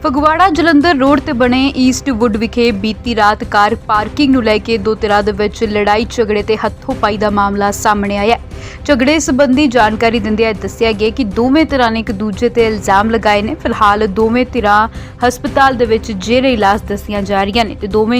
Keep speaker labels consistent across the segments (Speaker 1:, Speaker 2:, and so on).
Speaker 1: Phagwara Jalandhar road ਤੇ ਬਣੇ Eastwood ਵਿਖੇ ਬੀਤੀ ਰਾਤ ਕਾਰ ਪਾਰਕਿੰਗ ਨੂੰ ਲੈ ਕੇ ਦੋ ਧਿਰਾਂ ਦੇ ਵਿੱਚ ਲੜਾਈ ਝਗੜੇ ਤੇ ਹੱਥੋਂ-ਪਾਈ ਦਾ ਮਾਮਲਾ ਸਾਹਮਣੇ ਆਇਆ। ਝਗੜੇ ਸੰਬੰਧੀ ਜਾਣਕਾਰੀ ਦਿੰਦਿਆਂ ਦੱਸਿਆ ਗਿਆ ਕਿ ਦੋਵੇਂ ਧਿਰਾਂ ਨੇ ਇੱਕ ਦੂਜੇ ਤੇ ਇਲਜ਼ਾਮ ਲਗਾਏ ਨੇ। ਫਿਲਹਾਲ ਦੋਵੇਂ ਧਿਰਾਂ ਹਸਪਤਾਲ ਦੇ ਵਿੱਚ ਜੇਰੇ ਇਲਾਜ ਦੱਸੀਆਂ ਜਾ ਰਹੀਆਂ ਨੇ ਤੇ ਦੋਵਾਂ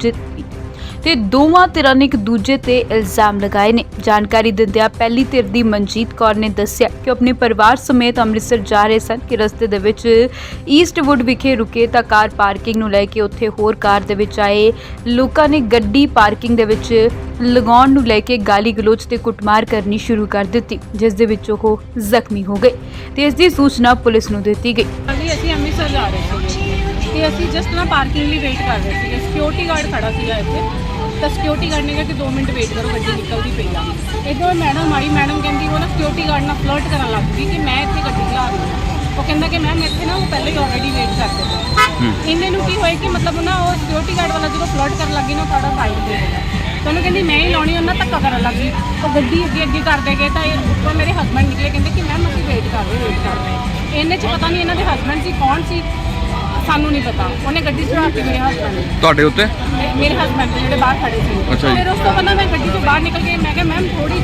Speaker 1: ਧਿਰਾਂ ਨੇ ਇੱਕ ਦੂਜੇ ਤੇ ਇਲਜ਼ਾਮ ਲਗਾਏ ਨੇ। ਜਾਣਕਾਰੀ ਦਿੰਦਿਆਂ ਪਹਿਲੀ ਧਿਰ ਦੀ ਮਨਜੀਤ ਕੌਰ ਨੇ ਦੱਸਿਆ ਕਿ ਆਪਣੇ ਪਰਿਵਾਰ ਸਮੇਤ ਅੰਮ੍ਰਿਤਸਰ ਜਾ ਰਹੇ ਸਨ ਕਿ ਰਸਤੇ ਦੇ ਵਿੱਚ ਈਸਟਵੁੱਡ ਵਿਖੇ ਰੁਕੇ ਤਾਂ ਕਾਰ ਪਾਰਕਿੰਗ ਨੂੰ ਲੈ ਕੇ ਉੱਥੇ ਹੋਰ ਕਾਰ ਦੇ ਵਿੱਚ ਆਏ ਲੋਕਾਂ ਨੇ ਗੱਡੀ ਪਾਰਕਿੰਗ ਦੇ ਵਿੱਚ ਲਗਾਉਣ ਨੂੰ ਲੈ ਕੇ ਗਾਲੀ ਗਲੋਚ ਤੇ ਕੁੱਟਮਾਰ ਕਰਨੀ ਸ਼ੁਰੂ ਕਰ ਦਿੱਤੀ, ਜਿਸ ਦੇ ਵਿੱਚ ਉਹ ਜ਼ਖਮੀ ਹੋ ਗਏ ਤੇ ਇਸ ਦੀ ਸੂਚਨਾ ਪੁਲਿਸ ਨੂੰ ਦਿੱਤੀ ਗਈ।
Speaker 2: ਅਸੀਂ ਅੰਮ੍ਰਿਤਸਰ ਜਾ ਰਹੇ ਸੀ ਤੇ ਅਸੀਂ ਜਸਟ ਨਾ ਪਾਰਕਿੰਗ ਲਈ ਵੇਟ ਕਰ ਰਹੇ ਸੀ। ਸਿਕਿਉਰਿਟੀ ਗਾਰਡ ਖੜਾ ਸੀਗਾ ਇੱਥੇ ਤਾਂ ਸਿਕਿਉਰਿਟੀ ਗਾਰਡ ਨੇ ਕਿਹਾ ਕਿ 2 ਮਿੰਟ ਵੇਟ ਕਰੋ, ਗੱਡੀ ਨਿਕਲਦੀ ਪਈ ਆ। ਇੱਧਰੋਂ ਮੈਡਮ ਆਈ, ਮੈਡਮ ਕਹਿੰਦੀ ਉਹ ਨਾ ਸਿਕਿਉਰਿਟੀ ਗਾਰਡ ਨਾਲ ਫਲਰਟ ਕਰਨ ਲੱਗ ਗਈ ਕਿ ਮੈਂ ਇੱਥੇ ਗੱਡੀ ਚਲਾ ਰਹੀ ਹਾਂ। ਉਹ ਕਹਿੰਦਾ ਕਿ ਮੈਮ ਇੱਥੇ ਨਾ ਉਹ ਪਹਿਲੇ ਹੀ ਆਲਰੇਡੀ ਵੇਟ ਕਰਦੇ ਪਏ। ਇੰਨੇ ਨੂੰ ਕੀ ਹੋਇਆ ਕਿ ਮਤਲਬ ਨਾ ਉਹ ਸਿਕਿਉਰਿਟੀ ਗਾਰਡ ਵਾਲਾ ਜਦੋਂ ਫਲਰਟ ਕਰਨ ਲੱਗੀ ਨਾ ਸਾਡਾ ਸਾਈਡ ਤੇ ਤਾਂ ਉਹਨੂੰ ਕਹਿੰਦੀ ਮੈਂ ਹੀ ਲਾਉਣੀ, ਉਹਨਾਂ ਧੱਕਾ ਕਰਨ ਲੱਗੀ। ਉਹ ਗੱਡੀ ਅੱਗੇ ਕਰਦੇ ਗਏ ਤਾਂ ਉੱਪਰ ਮੇਰੇ ਹਸਬੈਂਡ ਨਿਕਲੇ, ਕਹਿੰਦੇ ਕਿ ਮੈਮ ਅਸੀਂ ਵੇਟ ਕਰ ਰਹੇ ਇੰਨੇ 'ਚ ਪਤਾ ਨਹੀਂ ਇਹਨਾਂ ਦੇ ਹਸਬੈਂਡ ਸੀ ਕੌਣ ਸੀ, ਸਾਨੂੰ ਨਹੀਂ ਪਤਾ। ਉਹਨੇ ਗੱਡੀ ਚੜਾਤੀ ਮੇਰੇ ਹਸਬੈਂਡ ਨੇ।
Speaker 3: ਤੁਹਾਡੇ ਉੱਤੇ?
Speaker 2: ਮੇਰੇ ਹਸਬੈਂਡ ਜਿਹੜੇ ਬਾਹਰ ਖੜੇ ਸੀ। ਫਿਰ ਉਸ ਤੋਂ ਬਾਅਦ ਮੈਂ ਗੱਡੀ ਤੋਂ ਬਾਹਰ ਨਿਕਲ ਕੇ ਮੈਂ ਕਿਹਾ ਮੈਮ ਥੋੜੀ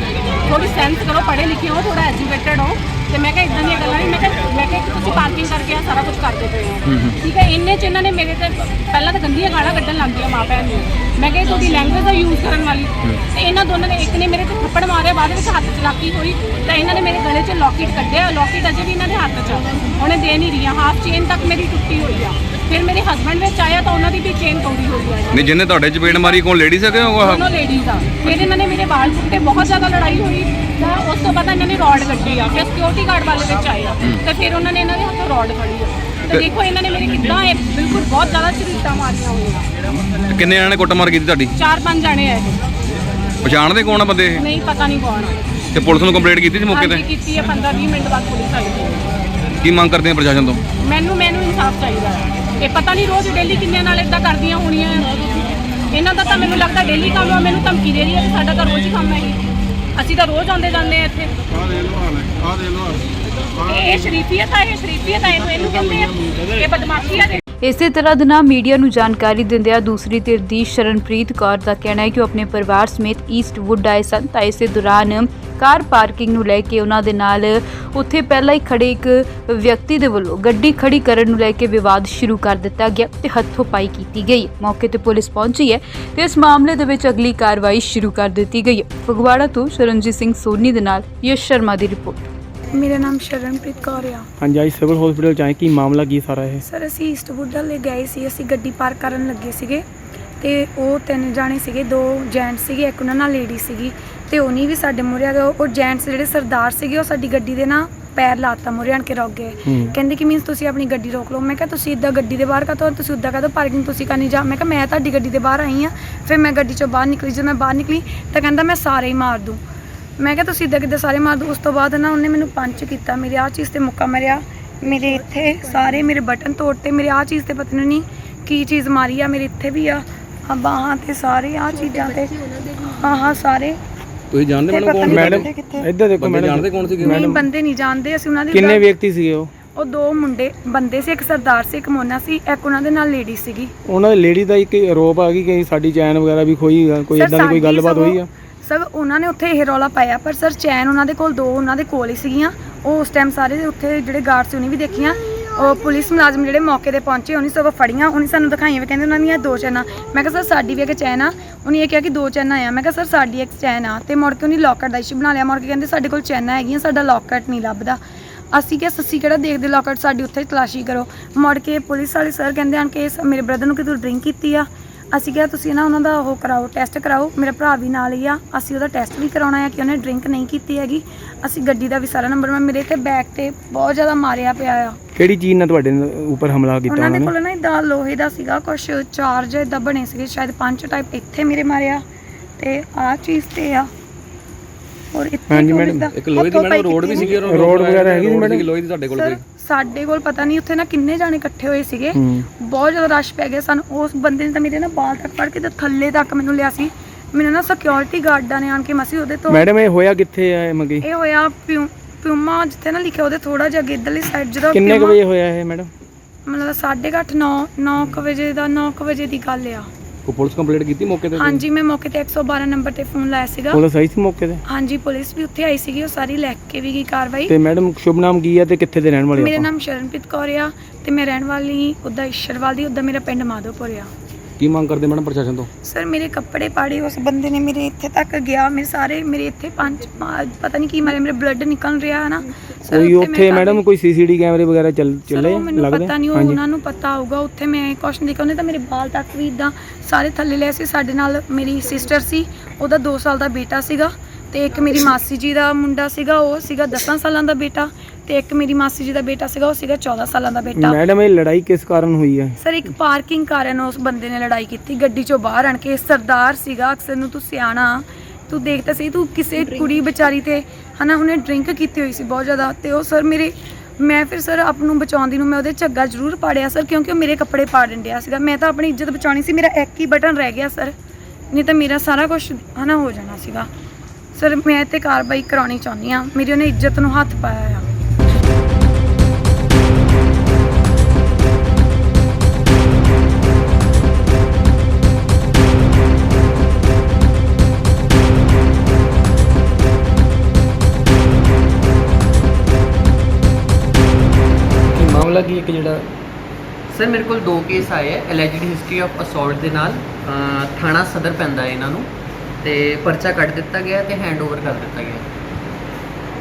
Speaker 2: ਸੈਂਸ ਕਰੋ, ਪੜ੍ਹੇ ਲਿਖੇ ਹੋ, ਥੋੜਾ ਐਜੂਕੇਟਡ ਹੋ। ਤੇ ਮੈਂ ਕਿਹਾ ਇਦਾਂ ਦੀਆਂ ਗੱਲਾਂ ਨਹੀਂ, ਮੈਂ ਕਿਹਾ ਤੁਸੀਂ ਪਾਰਕਿੰਗ ਕਰਕੇ ਆ ਸਾਰਾ ਕੁਝ ਕਰਦੇ ਪਏ ਹੋ, ਠੀਕ ਹੈ। ਇੰਨੇ 'ਚ ਇਹਨਾਂ ਨੇ ਮੇਰੇ ਤੇ ਪਹਿਲਾਂ ਤਾਂ ਗੰਦੀਆਂ ਗਾਲਾਂ ਕੱਢਣ ਲੱਗ ਗਈਆਂ ਮਾਂ ਭੈਣ ਨੂੰ। ਮੈਂ ਕਿਹਾ ਤੁਹਾਡੀ ਲੈਂਗੁਏਜ ਦਾ ਯੂਜ਼ ਕਰਨ ਵਾਲੀ। ਤੇ ਇਹਨਾਂ ਦੋਨਾਂ ਨੇ, ਇੱਕ ਨੇ ਮੇਰੇ ਤੇ ਥੱਪੜ ਮਾਰਿਆ, ਬਾਅਦ ਵਿੱਚ ਹੱਥ ਚਲਾਕੀ ਹੋਈ ਤਾਂ ਇਹਨਾਂ ਨੇ ਮੇਰੇ ਗਲੇ 'ਚ ਲੌਕਟ ਕੱਢਿਆ। ਲੌਕਟ ਅਜੇ ਵੀ ਇਹਨਾਂ ਦੇ ਹੱਥ 'ਚ, ਉਹਨੇ ਦੇ ਨਹੀਂ ਰਹੀਆਂ। ਹਾਫ ਚੇਨ ਤੱਕ ਮੇਰੀ ਟੁੱਟੀ ਹੋਈ ਆ। ਫਿਰ ਮੇਰੇ ਹਸਬੈਂਡ ਵਿੱਚ ਆਇਆ ਤਾਂ ਉਹਨਾਂ ਦੀ ਵੀ ਚੇਨ ਤੋੜੀ ਹੋਈ ਆ।
Speaker 3: ਨਹੀਂ, ਜਿਹਨੇ ਤੁਹਾਡੇ ਚਪੇੜ ਮਾਰੀ ਕੋਲ ਲੇਡੀਜ਼ ਹੈਗੇ?
Speaker 2: ਦੋਨੋਂ ਲੇਡੀਜ਼ ਆ। ਫਿਰ ਇਹਨਾਂ ਨੇ ਮੇਰੇ ਵਾਲ ਪੁੱਟੇ, ਬਹੁਤ ਜ਼ਿਆਦਾ ਲੜਾਈ ਹੋਈ। ਤਾਂ ਉਸ ਤੋਂ ਬਾਅਦ ਇਹਨਾਂ ਨੇ ਰੋਡ ਕੱਢੀ ਆ। ਫਿਰ ਸਿਕਿਉਰਿਟੀ ਗਾਰਡ ਵਾਲੇ ਵਿੱਚ ਆਏ ਆ ਤੇ ਫਿਰ ਉਹਨਾਂ ਨੇ ਇਹਨਾਂ ਦੇ ਹੱਥੋਂ ਰੋਡ ਫੜੀ ਆ। ਤੇ ਦੇਖੋ ਇਹਨਾਂ ਨੇ ਮੇਰੇ ਕਿੱਦਾਂ ਇਹ ਬਿਲਕੁਲ ਬਹੁਤ ਜ਼ਿਆਦਾ ਝਰੀਟਾਂ ਮਾਰੀਆਂ ਹੋਈਆਂ।
Speaker 3: ਕਿੰਨੇ ਜਣੇ ਨੇ ਕੁੱਟਮਾਰ ਕੀਤੀ ਤੁਹਾਡੀ?
Speaker 2: 4-5 ਜਣੇ ਆ ਇਹ।
Speaker 3: ਪਛਾਣਦੇ ਕੌਣ ਆ ਬੰਦੇ ਇਹ?
Speaker 2: ਨਹੀਂ, ਪਤਾ ਨਹੀਂ ਕੌਣ ਆ।
Speaker 3: ਤੇ ਪੁਲਿਸ ਨੂੰ ਕੰਪਲੇਂਟ ਕੀਤੀ ਸੀ ਮੌਕੇ ਤੇ?
Speaker 2: ਕੀਤੀ ਆ। 15-20 ਮਿੰਟ ਬਾਅਦ ਪੁਲਿਸ ਆਈ।
Speaker 3: ਕੀ ਮੰਗ ਕਰਦੇ ਆ ਪ੍ਰਸ਼ਾਸਨ ਤੋਂ?
Speaker 2: ਮੈਨੂੰ ਇਨਸਾਫ ਚਾਹੀਦਾ ਹੈ। ਇਹ ਪਤਾ ਨਹੀਂ ਰੋਜ਼ ਡੇਲੀ ਕਿੰਨੇ ਨਾਲ ਇਦਾਂ ਕਰਦੀਆਂ ਹੋਣੀਆਂ। ਇਹਨਾਂ ਦਾ ਤਾਂ ਮੈਨੂੰ ਲੱਗਦਾ ਡੇਲੀ ਕੰਮ ਆ। ਮੈਨੂੰ ਧਮਕੀ ਦੇ ਰਹੀ ਹੈ ਕਿ ਸਾਡਾ ਤਾਂ ਰੋਜ਼ ਹੀ ਕੰਮ ਹੈ। ਅਸੀਂ ਤਾਂ ਰੋਜ਼ ਆਉਂਦੇ ਜਾਂਦੇ ਆ ਇੱਥੇ। ਇਹ ਸ਼ਰੀਫੀਅਤ ਆ, ਇਹਨੂੰ ਕਹਿੰਦੇ ਆ ਇਹ ਬਦਮਾਸ਼ੀ ਆ।
Speaker 1: ਇਸੇ ਤਰ੍ਹਾਂ ਦੇ ਨਾਲ ਮੀਡੀਆ ਨੂੰ ਜਾਣਕਾਰੀ ਦਿੰਦਿਆਂ ਦੂਸਰੀ ਧਿਰ ਦੀ ਸ਼ਰਨਪ੍ਰੀਤ ਕੌਰ ਦਾ ਕਹਿਣਾ ਹੈ ਕਿ ਉਹ ਆਪਣੇ ਪਰਿਵਾਰ ਸਮੇਤ ਈਸਟਵੁੱਡ ਆਏ ਸਨ ਤਾਂ ਇਸੇ ਦੌਰਾਨ ਕਾਰ ਪਾਰਕਿੰਗ ਨੂੰ ਲੈ ਕੇ ਉਹਨਾਂ ਦੇ ਨਾਲ ਉੱਥੇ ਪਹਿਲਾਂ ਹੀ ਖੜੇ ਇੱਕ ਵਿਅਕਤੀ ਦੇ ਵੱਲੋਂ ਗੱਡੀ ਖੜੀ ਕਰਨ ਨੂੰ ਲੈ ਕੇ ਵਿਵਾਦ ਸ਼ੁਰੂ ਕਰ ਦਿੱਤਾ ਗਿਆ ਤੇ ਹੱਥੋਂ-ਪਾਈ ਕੀਤੀ ਗਈ। ਮੌਕੇ ਤੇ ਪੁਲਿਸ ਪਹੁੰਚੀ ਹੈ ਤੇ ਇਸ ਮਾਮਲੇ ਦੇ ਵਿੱਚ ਅਗਲੀ ਕਾਰਵਾਈ ਸ਼ੁਰੂ ਕਰ ਦਿੱਤੀ ਗਈ ਹੈ। ਫਗਵਾੜਾ ਤੋਂ ਸ਼ਰਨਜੀਤ ਸਿੰਘ ਸੋਨੀ ਦੇ ਨਾਲ ਯਸ਼ ਸ਼ਰਮਾ ਦੀ ਰਿਪੋਰਟ।
Speaker 4: ਮੇਰਾ ਨਾਮ ਸ਼ਰਨਪ੍ਰੀਤ ਕੌਰ ਆ।
Speaker 5: ਹਾਂਜੀ, ਅੱਜ ਸਿਵਲ ਹਸਪੀਟਲ 'ਚ ਆਏ, ਕੀ ਮਾਮਲਾ ਕੀ ਸਾਰਾ ਇਹ?
Speaker 4: ਸਰ, ਅਸੀਂ ਈਸਟਵੁੱਡ ਵਾਲੇ ਗਏ ਸੀ। ਅਸੀਂ ਗੱਡੀ ਪਾਰਕ ਕਰਨ ਲੱਗੇ ਸੀਗੇ ਤੇ ਉਹ 3 ਜਾਣੇ ਸੀਗੇ, 2 ਜੈਂਟਸ ਸੀਗੇ, ਇੱਕ ਉਹਨਾਂ ਨਾਲ ਲੇਡੀ ਸੀਗੀ। ਤੇ ਉਹਨੀ ਵੀ ਸਾਡੇ ਮੂਹਰੇ ਆ ਗਏ। ਉਹ ਜੈਂਟਸ ਜਿਹੜੇ ਸਰਦਾਰ ਸੀਗੇ ਉਹ ਸਾਡੀ ਗੱਡੀ ਦੇ ਨਾ ਪੈਰ ਲਾਤਾ, ਮੂਹਰੇ ਆਣ ਕੇ ਰੁਕ ਗਏ। ਕਹਿੰਦੇ ਕਿ ਮੀਨਸ ਤੁਸੀਂ ਆਪਣੀ ਗੱਡੀ ਰੋਕ ਲਓ। ਮੈਂ ਕਿਹਾ ਤੁਸੀਂ ਇੱਦਾਂ ਗੱਡੀ ਦੇ ਬਾਹਰ ਕਾਹਤੋਂ, ਤੁਸੀਂ ਉੱਦਾਂ ਕਾਹਤੋਂ ਪਾਰਕਿੰਗ ਤੁਸੀਂ ਕਰਨੀ ਜਾ। ਮੈਂ ਕਿਹਾ ਮੈਂ ਤੁਹਾਡੀ ਗੱਡੀ ਦੇ ਬਾਹਰ ਆਈ ਹਾਂ। ਫਿਰ ਮੈਂ ਗੱਡੀ 'ਚੋਂ ਬਾਹਰ ਨਿਕਲੀ। ਜਦੋਂ ਮੈਂ ਬਾਹਰ ਨਿਕਲੀ ਤਾਂ ਕਹਿੰਦਾ ਮੈਂ ਸਾਰੇ ਹੀ ਮਾਰ ਦੂੰ। ਮੈਂ ਕਿਹਾ ਤੁਸੀਂ ਇੱਦਾਂ ਕਿੱਦਾਂ ਸਾਰੇ ਮਾਰ ਦੂੰ। ਉਸ ਤੋਂ ਬਾਅਦ ਨਾ ਉਹਨੇ ਮੈਨੂੰ ਪੰਚ ਕੀਤਾ, ਮੇਰੇ ਆਹ ਚੀਜ਼ 'ਤੇ ਮੁੱਕਾ ਮਾਰਿਆ, ਮੇਰੇ ਇੱਥੇ ਸਾਰੇ ਮੇਰੇ ਬਟਨ ਤੋੜਤੇ, ਮੇਰੇ ਆਹ ਚੀਜ਼ 'ਤੇ ਪਤਾ ਨਹੀਂ ਕੀ ਚੀਜ਼ ਮਾਰੀ ਆ, ਮੇਰੇ ਇੱਥੇ ਵੀ ਆ ਬਾਹਾਂ 'ਤੇ ਸਾਰੇ ਆਹ ਚੀਜ਼ਾਂ 'ਤੇ ਹਾਂ ਸਾਰੇ।
Speaker 3: ਤੁਸੀਂ ਜਾਣਦੇ
Speaker 5: ਮੈਡਮ? ਇੱਧਰ ਦੇਖੋ ਮੈਡਮ।
Speaker 3: ਜਾਣਦੇ ਕੌਣ ਸੀਗੇ?
Speaker 4: ਨਹੀਂ, ਬੰਦੇ ਨਹੀਂ ਜਾਣਦੇ ਅਸੀਂ ਉਹਨਾਂ ਦੇ।
Speaker 5: ਕਿੰਨੇ ਵਿਅਕਤੀ ਸੀਗੇ ਉਹ?
Speaker 4: ਉਹ 2 ਬੰਦੇ ਸੀ, ਇੱਕ ਸਰਦਾਰ ਸੀ, ਇੱਕ ਮੋਨਾ ਸੀ, ਇੱਕ ਉਹਨਾਂ ਦੇ ਨਾਲ ਲੇਡੀ ਸੀਗੀ।
Speaker 5: ਉਹਨਾਂ ਦੀ ਲੇਡੀ ਦਾ ਇੱਕ ਆਰੋਪ ਆ ਕਿ ਸਾਡੀ ਚੈਨ ਵਗੈਰਾ ਵੀ ਖੋਈ, ਕੋਈ ਇਦਾਂ ਦੀ ਕੋਈ ਗੱਲਬਾਤ ਹੋਈ ਆ?
Speaker 4: ਸਰ, ਉਹਨਾਂ ਨੇ ਉੱਥੇ ਇਹ ਰੌਲਾ ਪਾਇਆ, ਪਰ ਸਰ ਚੈਨ ਉਹਨਾਂ ਦੇ ਕੋਲ 2 ਉਹਨਾਂ ਦੇ ਕੋਲ ਹੀ ਸੀਗੀਆਂ। ਉਹ ਉਸ ਟਾਈਮ ਸਾਰੇ ਉੱਥੇ ਜਿਹੜੇ ਗਾਰਡ ਸੀ ਉਹਨੇ ਵੀ ਦੇਖੀਆਂ। ਉਹ ਪੁਲਿਸ ਮੁਲਾਜ਼ਮ ਜਿਹੜੇ ਮੌਕੇ ਤੇ ਪਹੁੰਚੇ ਉਹਨੇ ਸਗੋਂ ਫੜੀਆਂ, ਉਹਨੇ ਸਾਨੂੰ ਦਿਖਾਈਆਂ ਵੀ ਕਹਿੰਦੇ ਉਹਨਾਂ ਦੀਆਂ 2 ਚੈਨਾਂ। ਮੈਂ ਕਿਹਾ ਸਰ ਸਾਡੀ ਵੀ ਇੱਕ ਚੈਨ ਆ। ਉਹਨੇ ਇਹ ਕਿਹਾ ਕਿ 2 ਚੈਨਾਂ ਆ। ਮੈਂ ਕਿਹਾ ਸਰ ਸਾਡੀ ਇੱਕ ਚੈਨ ਆ। ਤੇ ਮੁੜ ਕੇ ਉਹਨੇ ਲੋਕਟ ਦਾ ਇਸ਼ੂ ਬਣਾ ਲਿਆ। ਮੁੜ ਕੇ ਕਹਿੰਦੇ ਸਾਡੇ ਕੋਲ ਚੈਨਾਂ ਹੈਗੀਆਂ, ਸਾਡਾ ਲੋਕਟ ਨਹੀਂ ਲੱਭਦਾ। ਅਸੀਂ ਕਿਹਾ ਸੱਸੀ ਕਿਹੜਾ ਦੇਖਦੇ ਲੋਕਟ, ਸਾਡੀ ਉੱਥੇ ਤਲਾਸ਼ੀ ਕਰੋ। ਮੁੜ ਕੇ ਪੁਲਿਸ ਵਾਲੇ ਸਰ ਕਹਿੰਦੇ ਹਨ ਕਿ ਮੇਰੇ ਬ੍ਰਦਰ ਨੂੰ ਕਿ ਤੂੰ ਡਰਿੰਕ ਕੀਤੀ ਆ। ਅਸੀਂ ਕਿਹਾ ਤੁਸੀਂ ਨਾ ਉਹਨਾਂ ਦਾ ਉਹ ਕਰਾਓ, ਟੈਸਟ ਕਰਾਓ। ਮੇਰਾ ਭਰਾ ਵੀ ਨਾਲ ਹੀ ਆ, ਅਸੀਂ ਉਹਦਾ ਟੈਸਟ ਵੀ ਕਰਾਉਣਾ ਹੈ ਕਿ ਉਹਨੇ ਡਰਿੰਕ ਨਹੀਂ ਕੀਤੀ ਹੈਗੀ। ਅਸੀਂ ਗੱਡੀ ਦਾ ਵੀ ਸਾਰਾ ਨੰਬਰ, ਮੇਰੇ ਤੇ ਬੈਕ ਤੇ ਬਹੁਤ ਜ਼ਿਆਦਾ ਮਾਰਿਆ ਪਿਆ ਆ।
Speaker 5: ਕਿਹੜੀ ਚੀਜ਼ ਨਾਲ ਤੁਹਾਡੇ ਉੱਪਰ ਹਮਲਾ ਕੀਤਾ
Speaker 4: ਉਹਨਾਂ ਦੇ ਕੋਲ ਨਾ ਇਦਾਂ ਲੋਹੇ ਦਾ ਸੀਗਾ ਕੁਛ, ਚਾਰਜ ਇਦਾਂ ਬਣੇ ਸੀਗੇ, ਸ਼ਾਇਦ 5 ਟਾਈਪ ਇੱਥੇ ਮੇਰੇ ਮਾਰਿਆ ਤੇ ਆਹ ਚੀਜ਼ ਤੇ ਆ। ਔਰ ਇੱਥੇ
Speaker 5: ਹਾਂਜੀ ਮੈਡਮ,
Speaker 3: ਇੱਕ ਲੋਹੇ ਦੀ ਮੈਡਮ ਰੋਡ ਵੀ ਸੀਗੀ,
Speaker 5: ਰੋਡ ਵਗੈਰਾ ਹੈਗੀ ਸੀ ਮੈਡਮ?
Speaker 3: ਲੋਹੇ ਦੀ ਤੁਹਾਡੇ ਕੋਲ ਕੋਈ?
Speaker 4: ਸਾਡੇ ਕੋਲ ਪਤਾ ਨਹੀਂ, ਉੱਥੇ ਨਾ ਕਿੰਨੇ ਜਾਣੇ ਇਕੱਠੇ ਹੋਏ ਸੀਗੇ, ਬਹੁਤ ਜ਼ਿਆਦਾ ਰਸ਼ ਪੈ ਗਿਆ ਸਾਨੂੰ। ਉਸ ਬੰਦੇ ਨੇ ਤਾਂ ਮੇਰੇ ਨਾ ਬਾਲ ਤੱਕ ਫੜ ਕੇ ਤੇ ਥੱਲੇ ਤੱਕ ਮੈਨੂੰ ਲਿਆ ਸੀ। ਮੈਨੂੰ ਨਾ ਸਿਕਿਉਰਿਟੀ ਗਾਰਡਾਂ ਨੇ ਆਣ ਕੇ ਮਸੀ ਉਹਦੇ ਤੋਂ।
Speaker 5: ਮੈਡਮ ਇਹ ਹੋਇਆ ਕਿੱਥੇ ਆ ਮੰਗੀ?
Speaker 4: ਇਹ ਹੋਇਆ ਪਿਊਮਾ ਜਿੱਥੇ ਨਾ ਲਿਖਿਆ ਉਹਦੇ ਥੋੜਾ ਜਿਹਾ ਅੱਗੇ ਇੱਧਰਲੀ ਸਾਈਡ। ਜਦੋਂ
Speaker 5: ਕਿੰਨੇ ਕੁ ਵਜੇ ਹੋਇਆ ਇਹ ਮੈਡਮ?
Speaker 4: ਮਤਲਬ 8:30 9 ਵਜੇ ਦਾ 9 ਵਜੇ ਦੀ ਗੱਲ ਆ।
Speaker 3: ਕੋਈ ਪੁਲਿਸ ਕੰਪਲੇਂਟ ਕੀਤੀ ਮੌਕੇ ਤੇ?
Speaker 4: ਹਾਂਜੀ ਮੈਂ ਮੌਕੇ ਤੇ 112 ਨੰਬਰ ਤੇ ਫੋਨ ਲਾਇਆ ਸੀਗਾ।
Speaker 5: ਪੁਲਿਸ ਆਈ ਸੀ ਮੌਕੇ ਤੇ?
Speaker 4: ਹਾਂਜੀ ਪੁਲਿਸ ਵੀ ਉੱਥੇ ਆਈ ਸੀਗੀ, ਉਹ ਸਾਰੀ ਲੈ ਕੇ ਵੀ ਗਈ ਕਾਰਵਾਈ।
Speaker 5: ਤੇ ਮੈਡਮ ਸ਼ੁਭ ਨਾਮ ਕੀ ਹੈ ਤੇ ਕਿੱਥੇ ਦੇ ਰਹਿਣ ਵਾਲੇ
Speaker 4: ਮੇਰਾ
Speaker 5: ਆਪਾਂ?
Speaker 4: ਨਾਮ ਸ਼ਰਨਪ੍ਰੀਤ ਕੌਰ ਆ ਤੇ ਮੈਂ ਰਹਿਣ ਵਾਲੀ ਉੱਦਾਂ ਈਸ਼ਰਵਾਲ ਦੀ, ਉੱਦਾਂ ਮੇਰਾ ਪਿੰਡ ਮਾਧੋਪੁਰ ਆ।
Speaker 3: ਕੀ ਮੰਗ ਕਰਦੇ ਮੈਡਮ ਪ੍ਰਸ਼ਾਸਨ ਤੋਂ?
Speaker 4: ਸਰ ਮੇਰੇ ਕੱਪੜੇ ਪਾੜੇ ਉਸ ਬੰਦੇ ਨੇ, ਮੇਰੇ ਇੱਥੇ ਤੱਕ ਗਿਆ, ਮੇਰੇ ਇੱਥੇ ਪਤਾ ਨਹੀਂ ਕੀ ਮਾਰੇ, ਮੇਰੇ ਬਲੱਡ ਨਿਕਲ ਰਿਹਾ ਹੈ ਨਾ ਸਰ।
Speaker 5: ਕੋਈ ਉੱਥੇ ਮੈਡਮ ਕੋਈ ਸੀਸੀਟੀ ਕੈਮਰੇ ਵਗੈਰਾ ਚੱਲੇ
Speaker 4: ਮੈਨੂੰ
Speaker 5: ਲੱਗਦੇ?
Speaker 4: ਪਤਾ ਨਹੀਂ, ਉਹ ਉਹਨਾਂ ਨੂੰ ਪਤਾ ਹੋਊਗਾ। ਉੱਥੇ ਮੈਂ ਕੁਛ ਨਹੀਂ ਦੇਖਿਆ, ਉਹਨੇ ਤਾਂ ਮੇਰੇ ਬਾਲ ਤੱਕ ਵੀ ਇਦਾਂ ਸਾਰੇ ਥੱਲੇ ਲਏ ਸੀ। ਸਾਡੇ ਨਾਲ ਮੇਰੀ ਸਿਸਟਰ ਸੀ, ਉਹਦਾ 2 ਸਾਲ ਦਾ ਬੇਟਾ ਸੀਗਾ, ਤੇ ਇੱਕ ਮੇਰੀ ਮਾਸੀ ਜੀ ਦਾ ਮੁੰਡਾ ਸੀਗਾ, ਉਹ ਸੀਗਾ 10 ਸਾਲਾਂ ਦਾ ਬੇਟਾ, ਤੇ ਇੱਕ ਮੇਰੀ ਮਾਸੀ ਜੀ ਦਾ ਬੇਟਾ ਸੀਗਾ, ਉਹ ਸੀਗਾ 14 ਸਾਲਾਂ ਦਾ ਬੇਟਾ।
Speaker 5: ਮੈਡਮ ਇਹ ਲੜਾਈ ਕਿਸ ਕਾਰਨ ਹੋਈ ਹੈ?
Speaker 4: ਸਰ ਇੱਕ ਪਾਰਕਿੰਗ ਕਾਰਨ ਉਸ ਬੰਦੇ ਨੇ ਲੜਾਈ ਕੀਤੀ, ਗੱਡੀ ਚੋਂ ਬਾਹਰ ਆਣ ਕੇ। ਸਰਦਾਰ ਸੀਗਾ, ਅਕਸਰ ਨੂੰ ਤੂੰ ਸਿਆਣਾ, ਤੂੰ ਦੇਖਦਾ ਸੀ, ਤੂੰ ਕਿਸੇ ਕੁੜੀ ਵਿਚਾਰੀ ਤੇ ਹਨਾ, ਉਹਨੇ ਡਰਿੰਕ ਕੀਤੀ ਹੋਈ ਸੀ ਬਹੁਤ ਜ਼ਿਆਦਾ। ਤੇ ਉਹ ਸਰ ਮੈਂ ਫਿਰ ਸਰ ਆਪ ਨੂੰ ਬਚਾਉਂਦੀ ਨੂੰ ਮੈਂ ਉਹਦੇ ਝੱਗਾ ਜ਼ਰੂਰ ਪਾੜਿਆ ਸਰ, ਕਿਉਂਕਿ ਉਹ ਮੇਰੇ ਕੱਪੜੇ ਪਾੜਨ ਡਿਆ ਸੀਗਾ। ਮੈਂ ਤਾਂ ਆਪਣੀ ਇੱਜ਼ਤ ਬਚਾਉਣੀ ਸੀ, ਮੇਰਾ ਇੱਕ ਹੀ ਬਟਨ ਰਹਿ ਗਿਆ ਸਰ, ਨਹੀਂ ਤਾਂ ਮੇਰਾ ਸਾਰਾ ਕੁਝ ਹਨਾ ਹੋ ਜਾਣਾ ਸੀਗਾ। ਸਰ ਮੈਂ ਤੇ ਕਾਰਵਾਈ ਕਰਾਉਣੀ ਚਾਹੁੰਦੀ ਆ, ਮੇਰੀ ਉਹਨੇ ਇੱਜ਼ਤ ਨੂੰ ਹੱਥ ਪਾਇਆ ਆ।
Speaker 5: ਮਾਮਲਾ ਕੀ ਇੱਕ ਜਿਹੜਾ
Speaker 6: ਸਰ ਮੇਰੇ ਕੋਲ 2 ਕੇਸ ਆਏ ਹੈ ਐਲੈਜਡ ਹਿਸਟਰੀ ਆਫ ਅਸੌਲਟ ਦੇ ਨਾਲ। ਥਾਣਾ ਸਦਰ ਪੈਂਦਾ ਹੈ ਇਹਨਾਂ ਨੂੰ, ਤੇ ਪਰਚਾ ਕੱਟ ਦਿੱਤਾ ਗਿਆ ਤੇ ਹੈਂਡਓਵਰ ਕਰ ਦਿੱਤਾ ਗਿਆ।